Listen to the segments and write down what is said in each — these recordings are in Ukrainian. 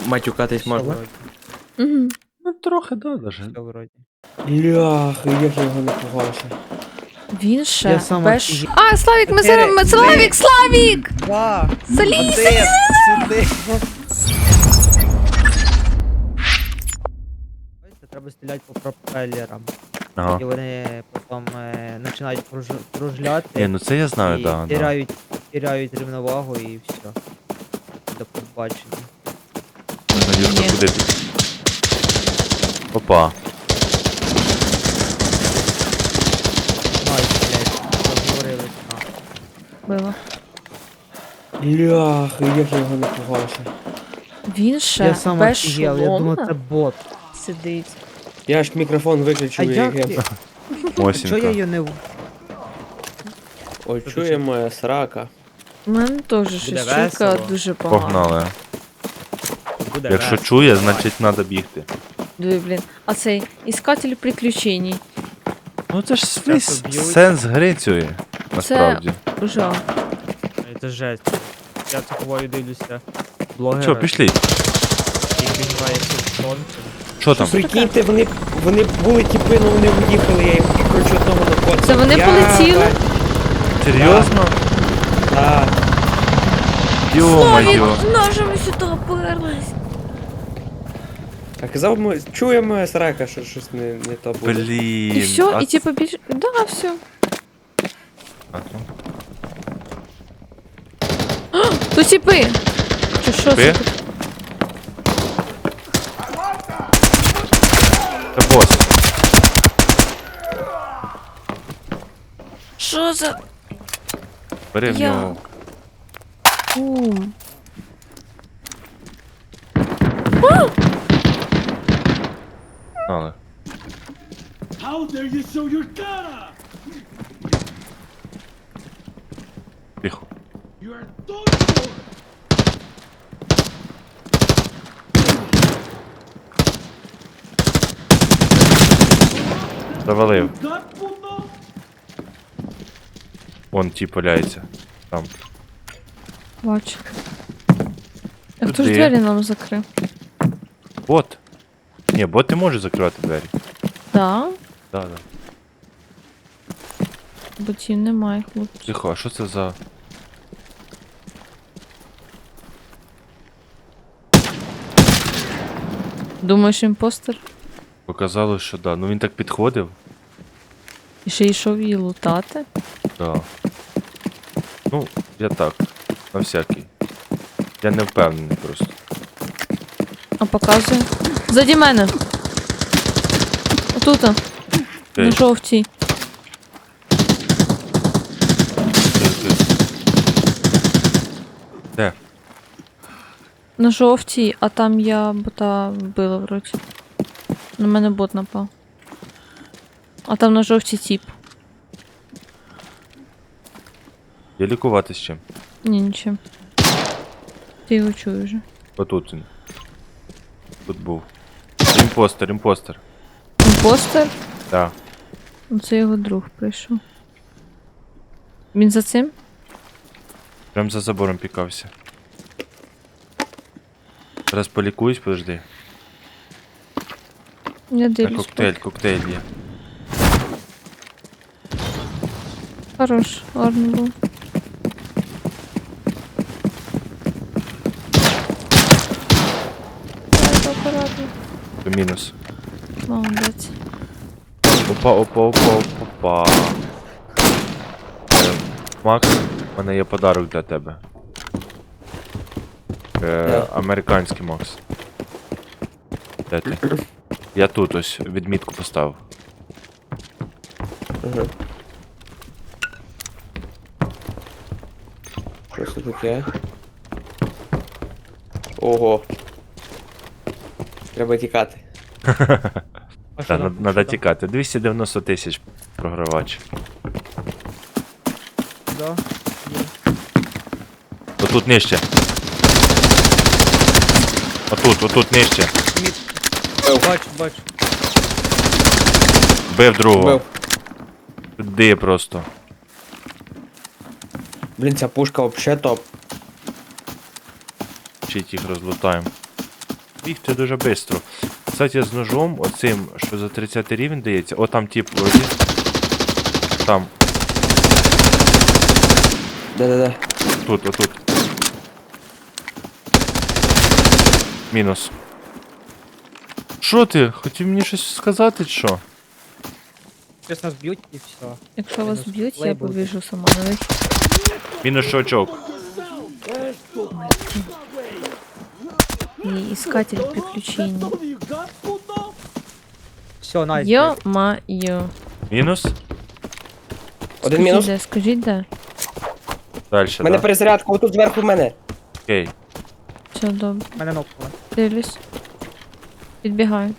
матюкатись можна? Угу. Ну трохи, да, даже. Все вроді. Бляха, як я його напугався. Він ще Я сам без... офігел. А, Славік, ми зараз... Чотири, Славік, Славік! Два! Залізь! Сюди! Треба стріляти по пропелерам. Ага. І вони потім починають кружляти. Ні, ну це я знаю, і да. теряють рівновагу і все. До побачення. Надюшка, Ні. куди ти? Опа. Ай, блядь, розговорились на. Було. Бляха, як я його напугався. Він ще Я сам без офігел, я думав, це шолома бот. сидить. Я ж мікрофон А виключив, як як ти? я... Чого я Осінка. її не... Ой, чує моя срака. У мене теж щось чуйка весело. дуже погана. Погнали. Буде Якщо весело. чує, значить треба бігти. Диви, блін. А цей іскатель приключень. Ну це ж свій Часто б'ють. сенс гри цієї, насправді. Жах. Це жесть. Я такою дивлюся. Блогера, Що, пішли? який грає в сонце. Що там? Прикиньте, вони були тіпи, але вони уїхали, я їм коротше одного накоцав. Це вони полетіли? Серйозно? Так. Йо-моє. ножами сюди оперлись. А казав, чує моя срака, що щось не то буде. Блін. І все, а і типу більше... Да, все. А, ну. Тут типи. Чи що Типи? це? Це бос. Що за... Бери в Я. нього. Кум. Але. How dare you show your cara? Тихо. You are done for! Завалив. That puto? Вон ті валяється. Там. Бачу. А хто ж Туди. двері нам закрив? Бот. Ні, бот не може закривати двері. Да? Да, да. Ботів немає, хлопці. Тихо, а що це за... Думаєш, імпостер? Показалось, що да. Ну він так підходив. І ще йшов її лутати? Да. Ну, я так. На всякий. Я не впевнений просто. А показує. Заді мене. Отут. На Окей. жовтій. Де? На жовтій, а там я бота вбила вроді. На мене бот напав. А там на жовтій тіп. Я лікувати з чим? Ні, нічим. Ти його чуєш вже. Отут він. Тут був. Імпостер, імпостер. Імпостер? Да. Ну це його друг прийшов. Він за цим? Прям за забором пікався. Зараз полікуюсь, подожди. Я Та дивлюсь. коктейль є. Хорош, гарно був. Давай, акуратно. То мінус. Молодець. Опа. Макс, у мене є подарок для тебе. Американський Макс. Де ти? Я тут ось відмітку поставив. Ага. Що це таке? Ого. Треба тікати. А що Так, там? надо Що там? тікати. 290 тисяч програвач. Да. Отут нижче. Отут нижче. Бачу. Бив другого. Бив. Туди просто. Блін, ця пушка вообще топ. Вчить їх розлутаємо. бігти дуже швидко. Кстати, з ножом, оцим, що за 30 рівень дається, о там тип вроді. Там, Де-де-де. тут, отут. Мінус. Що ти? Хотів мені щось сказати, чи що? Зараз нас б'ють і все. Якщо вас Мінус б'ють, я лейбл. побіжу сама на вихід. Мінус щочок. І іскатель приключень. Some of you got food now? Все, найс. Йо-ма-йо. Мінус? Один мінус. Далі, Скажіть де? У мене да? перезарядка, отут зверху в мене. Окей. Все добре. Мене нокнули. Дивлюсь. Підбігаю.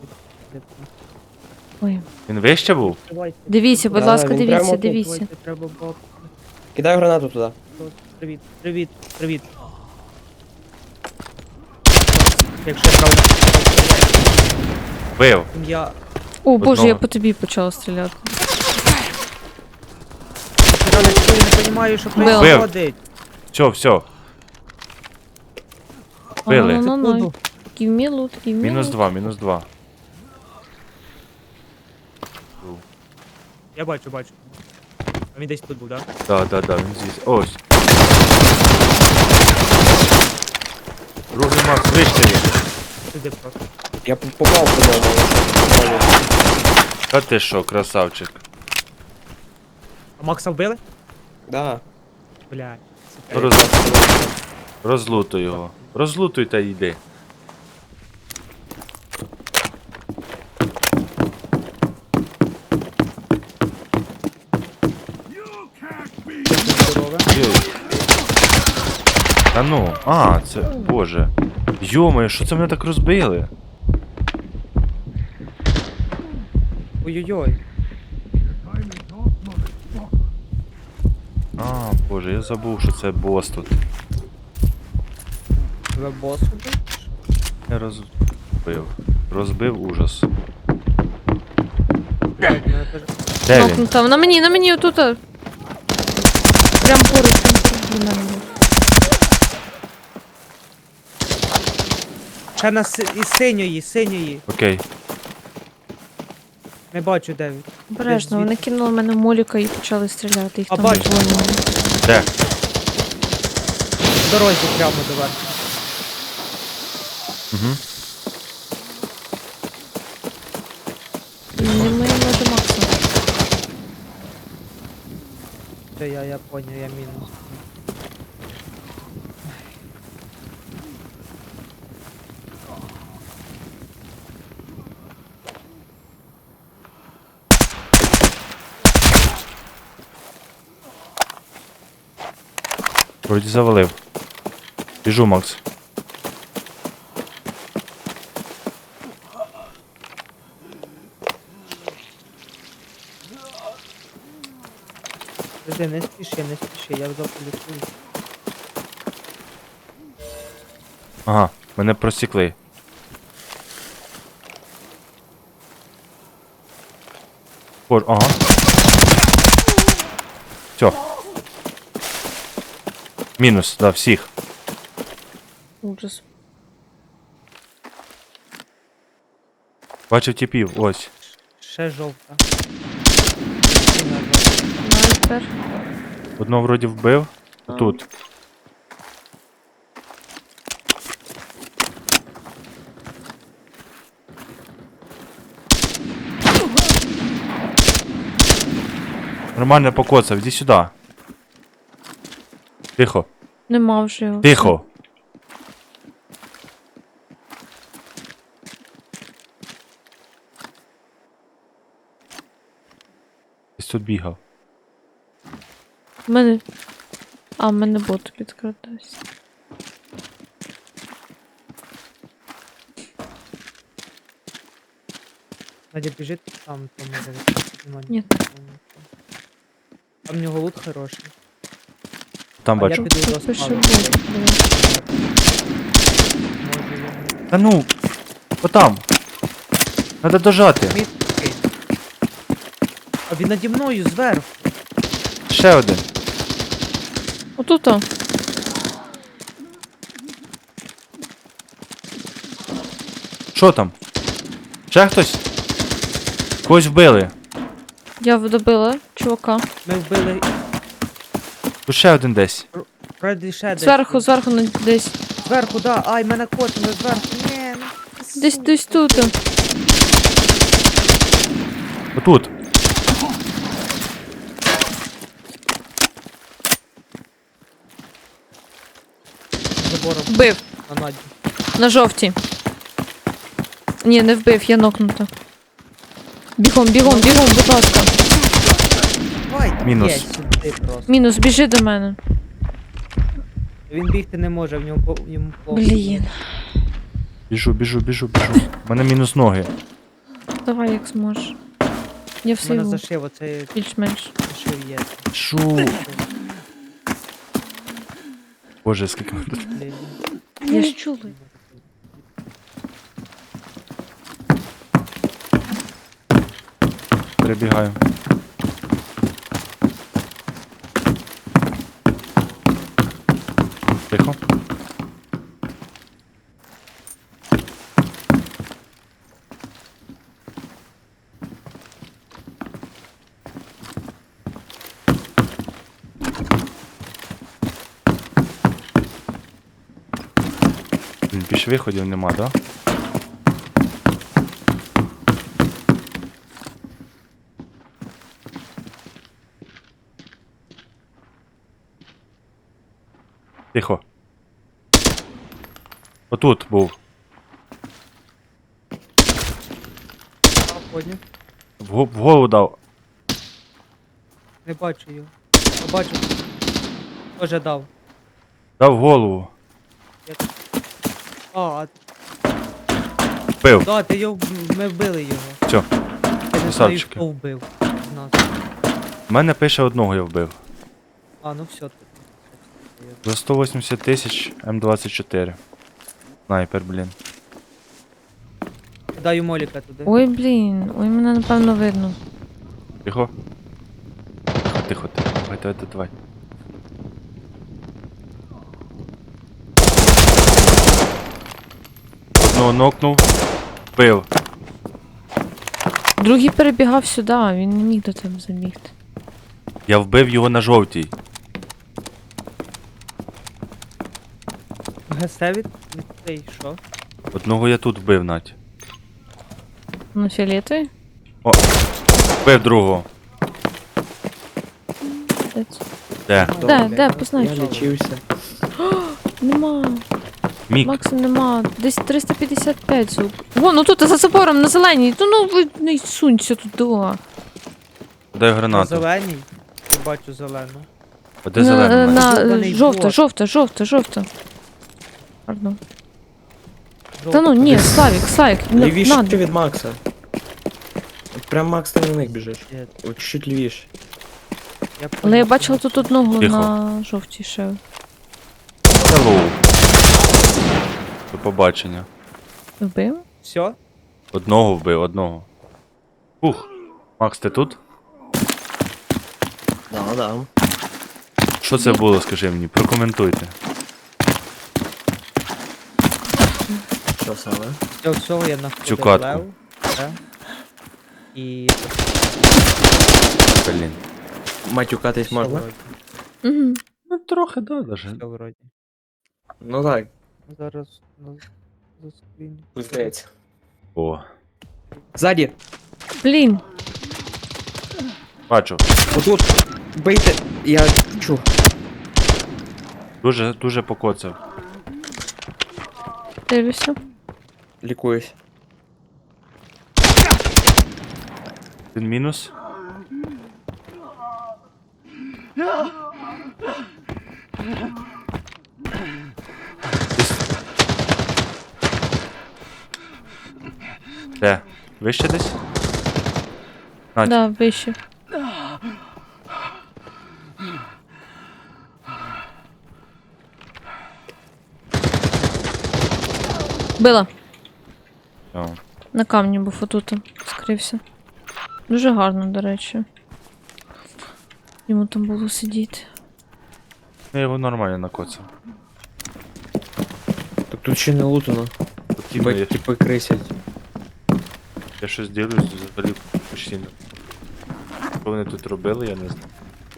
Ой. Він вище був? Дивіться, будь Да, ласка, він дивіться, прямо тут. дивіться. Треба було... Кидаю гранату туди. Привіт, привіт, привіт. Якщо я правильно Бив. я... О, боже, я Одного. по тобі почала стріляти. Я не розумію, що Бив. происходить. Все. Били. Ну. Give me loot, give me Мінус loot. 2, мінус 2. Я бачу. А він десь тут був, так? Да, він здесь. Ось. Другий Макс вище є. Сюди просто. Я попав по ньому. Та ти що, красавчик. А Макса вбили? Да. Блядь. Розлутуй його. Розлутуй та йди. Здорове. Йой. Та ну, це, боже. Йомаю, що це мене так розбили? Ой-ой-ой. Боже, я забув, що це бос тут. Ви бос убив? Я розбив. Розбив ужас. Блядь, мене теж... Де він? Нокнута. На мені, отут. Прям поруч біля мене. Ще на із синьої. Окей. Не бачу, де він. Обережно, вони кинули мене моліка і почали стріляти. Їх А, там бачу. двоє. Де? В дорозі прямо до вас. Угу. Не моєму до Макса. Це я поняв, я мінус. Вроді завалив. Біжу, Макс. Подожди, не спіши, я заполітую. Ага, мене просікли. Боже, ага. Все. Мінус, да, всіх. Ужас. Бачив типів, ось. Ще жовта. Снайпер. Одного вроді вбив. Тут. Нормально покоцав, іди сюди. Тихо, Нема вже його. тихо. Десь тут бігав. В мене... А, в мене бот підкрадався. Надя біжить там, може відкрити. Ні. Там в нього лут хороший. Там А я бачу. піду до Тут пише спавну. бот. Може йому... Та ну, отам. Надо дожати. Мітки. А він наді мною зверху. Ще один. Отут. Що там? Ще хтось? Когось вбили. Я добила чувака. Ми вбили. Тут ще один десь. Вроді ще десь. Зверху, зверху десь. Зверху, да. Ай, мене котили зверху. Ні, ну, Десь тут. Отут. забором Вбив. на наді. На жовтій. Ні, не вбив, я нокнута. Бігом, будь ласка. Ай, Мінус. є сюди просто. Мінус, біжи до мене. Він бігти не може, в ньому йому плохо. Блін. Біжу. У мене мінус ноги. Давай як зможеш. Я У все мене йду. зашив, оце Більш-менш. зашив є. Шу. Боже, скільки ми тут. Блін. Я ж чула. Перебігаю. Тихо. Блін, більше виходів нема, да? Тихо. Отут був. А, поняв. В голову дав. Не бачу його. А, бачу. Тоже дав. Дав в голову. А, Бив. да, ти його, ми вбили його. Все. Я не знаю, Красавчики. хто вбив з нас. У мене пише одного я вбив. А, ну все. За 180 тисяч М24. Снайпер, блін. Даю моліка туди. Ой, блін. Ой, мене напевно видно. Тихо. Тихо. Давай. Одного нокнув. Бив. Другий перебігав сюди, він не міг до тебе забігти. Я вбив його на жовтій. ГС від цей, що? Одного я тут вбив, Надь. На фіолетовий? Вбив другого. Де? Де, познай. Я лічився. Нема. Мік. Максим нема. Десь 355 звук. Вон, ну тут за забором на зеленій. Ну ви не сунься туди. Дай На гранату. зеленій. Я бачу зелену. А де зелений? Надь? Зелений Жовта. Пардон. Та ну ні, Славік, Лівіше надо. ти від Макса. От прям Макс ти на них біжиш. Є. От чуть лівіше. Але я бачила тут одного Тихо. на жовтій ще. Hello. До побачення. Вбив? Все? Одного вбив, одного. Ух. Макс, ти тут? Да. Що це було, скажи мені, прокоментуйте. Що саме? Все, всього я знаходив Цю катку. лев. Да. І... Блін. Матюкатись все можна? вроді. Угу. Ну трохи, да, даже. Все вроді. Ну так, Зараз заскріню. здається. О. Ззаді! Блін. Бачу. Отут! Бийте! Я чув. Дуже покоцав. Дивлюся. Лікуюсь. Він мінус. Де? Вище десь? Надь. Да, вище. Била. О. На камні був отут. Скрився. Дуже гарно, до речі. Йому там було сидіти. Я його нормально накоцав. Так тут ще не лутано. Тут Типу, я, Типи крисять. я щось дивлюсь, взагалі постійно. Що вони тут робили, я не знаю.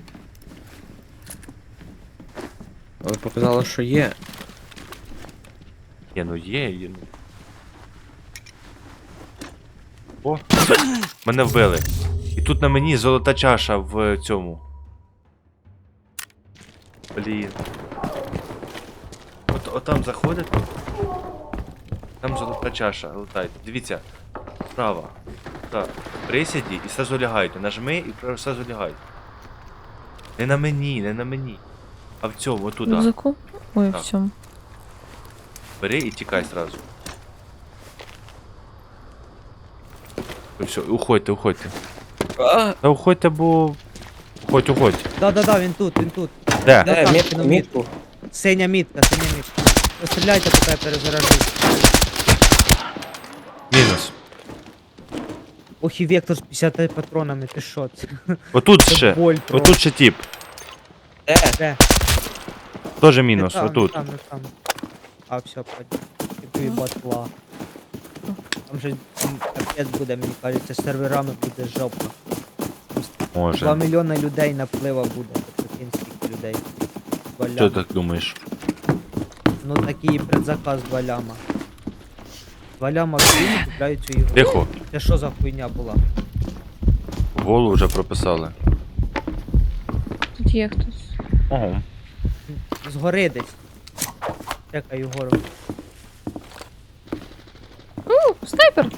Але показало, що є. Є, ну є, ну. О, мене вбили. І тут на мені золота чаша в цьому. Блін. От там заходите. Там золота чаша, летайте. Дивіться. Справа. Так. Присіді і сразу лягайте. Нажми і сразу лягайте. Не на мені, не на мені. А в цьому, В отуда. рюкзаку? Ой, Так. в цьому. Бери і тікай сразу. І все, уходьте, уходьте. А! Та уходьте, бо... Уходь. Да, він тут. Де? Да, там, Мітку, ну, мітку. Синя мітка. Постріляйте, поки я перезаражу. Мінус. Ох, і вектор з 50 патронами, ти що? Це Отут це ще. боль просто. Отут ще тип. Де? Тоже мінус, Не там, отут. Не там. А, все, понял. Тобі батла. Там же капець буде, мені кажеться, з серверами буде жопа. 2 Може. мільйони людей наплива буде, прикинь, скільки людей. 2 Що ляма. так думаєш? Ну такий предзаказ 2 ляма. 2 ляма в Києві купляють цю ігру. Тихо. Це що за хуйня була? Голу вже прописали. Тут є хтось. Ого. Згори десь. Чекаю гору. Снайпер!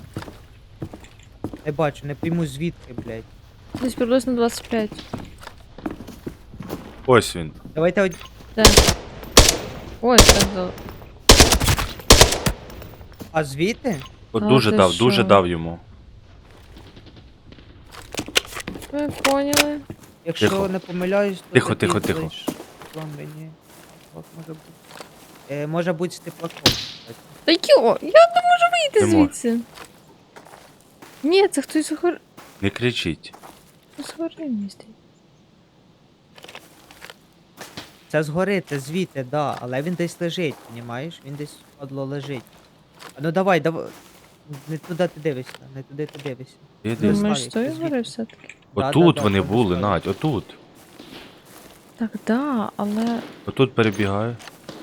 Не бачу, не пойму звідки, блядь. Десь приблизно 25. Ось він. Давайте Де? Ой, так дало. А звідти? От А, дуже ти дав, що? дуже дав йому. Ви поняли? Якщо Тихо. не помиляюсь, то Тихо, такий тихо, тихо. флеш вам мені. От може бути. Може бути з теплаком. кстати. Та йо, я не можу вийти Не мож. звідси. Ні, це хтось згори. Не кричіть. Згори містить. Це згори, це звідти, да, але він десь лежить, понімаєш? Він десь падло лежить. А ну давай. Не туди ти дивишся, не туди ти дивишся. Іди. Ну, Думаєш, Славік, з тої ти згори звідки? все-таки? Отут да, вони там були, поставили. Надь, отут. Так, да, але... Отут перебігаю.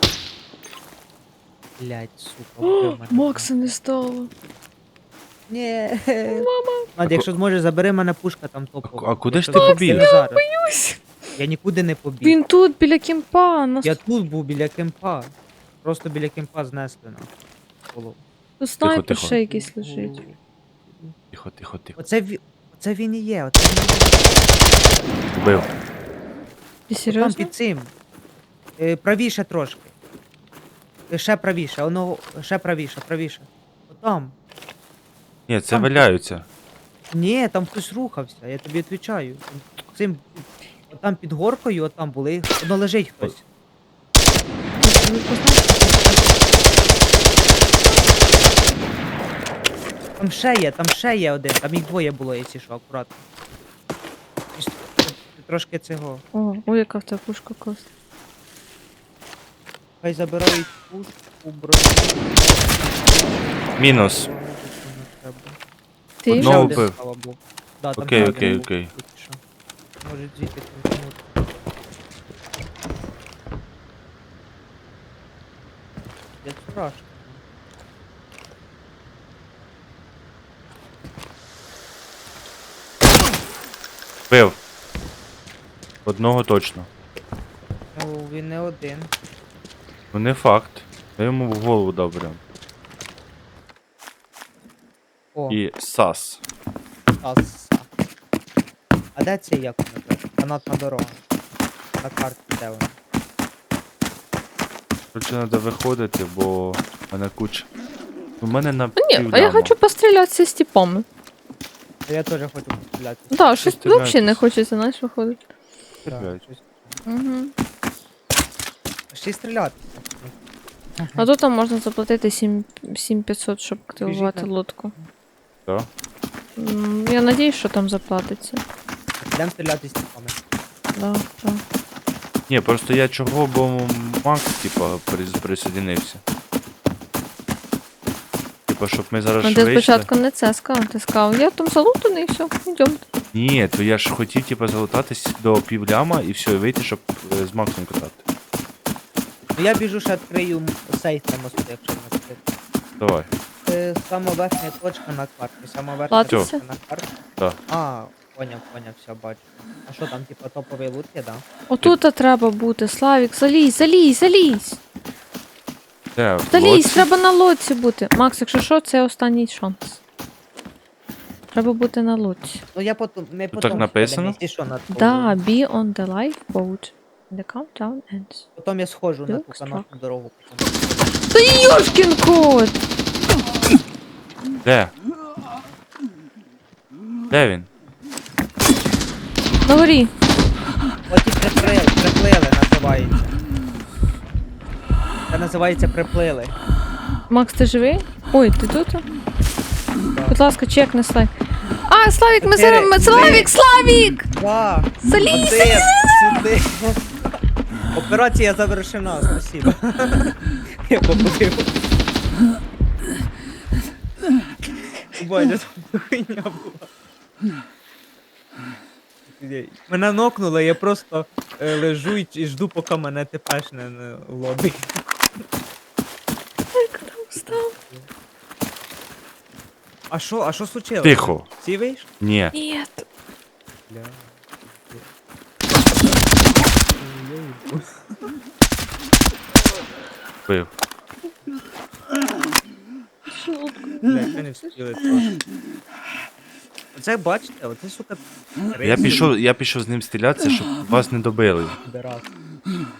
Блять, сука, О, вбив мене. Макса не стало. Ні. Мама. Надя, якщо зможеш, забери мене пушка там топова. А куди ж Якщо ти ти побіг? не зараз. Я нікуди не побіг. Він тут, біля кемпа. Нас Я тут був біля кемпа. Просто біля кемпа знесли на голову. тут снайпер тихо. ще якийсь лежить. Тихо, тихо, тихо. Оце він і є, оце він і є. Вбив. Ти Там серйозно? під цим. Правіше трошки. Ще правіше, воно ще правіше. Отам. Ні, це Там. валяються. Ні, там хтось рухався, я тобі відповідаю. Цим, отам під горкою, отам були. Воно лежить хтось. Там ще є один, там їх двоє було, якщо що, акуратно. Трошки цього. О, яка в тебе пушка класна. Хай забирають пушку, броню. Мінус. Броню не треба. Ти? Одного Ще один, вбив. слава Богу. Да, там Окей, ще окей, один окей. був, тільки що. Може звідти крутанути. Як страшно. Вбив. Одного точно. Ну, він не один. Ну не факт. Я йому в голову дав прям. О, І сас. Аса. А де це як воно так? Канатна дорога. На карті де вона? Короче, треба виходити, бо в мене куча. У мене на Ні, а я півляма. хочу пострілятися з типами. Та я теж хочу постріляти. Да, щось стріляйтесь. взагалі не хочеться, знаєш, виходити. Стріляй. Угу. Ще й стріляти. А тут там можна заплатити 7500, щоб активувати Біжіть, лодку. Так? Я надіюсь, що там заплатиться. Йдемо стріляти з тіпами. Да, да. Ні, просто я чого, бо Макс, типа, присоединився. типу, щоб ми зараз Ну ж ти вийшли. спочатку не це сказав, ти сказав, я там залутаний і все, йдемте. Ні, то я ж хотів, типу, залутатись до півляма і все, і вийти, щоб з Максом катати. Ну я біжу, ще відкрию сейф на мосту, якщо не відкрити. Давай. Це сама верхня точка на карті, сама верхня Платиться? точка на карті. Так. А, поняв, все, бачу. А що там, типа, топовий лут є, да? Отут треба бути, Славік, залізь, залізь, залізь. Де? в Залізь, лодці? треба на лодці бути. Макс, якщо що, це останній шанс. Треба бути на лодці. Ну я потім, ми Тут потім так написано? сходимо, якщо що, на Да, be on the lifeboat. The countdown ends. Потім я схожу на ту Люкс, канатну дорогу. Потім. Та йошкін кот! Де? Де він? На горі. От і приплили називається. Це називається приплили. Макс, ти живий? Ой, ти тут? Будь ласка, чекни, Славік. А, Славік, ми Чотири, зараз... три. Славік, Славік! Два, Залізь, один, сюди. Операція завершена, спасибо. Я побудив. Боже, це хуйня була. Мене нокнуло, я просто лежу і жду, поки мене тепешне на лобі. Встав. А що случилось? Тихо. Всі вийшли? Ні. Ні. Бля. Бив. Бля, що не встигли трошки. Оце бачите, оце, сука, Я пішов з ним стрілятися, щоб вас не добили. підарас.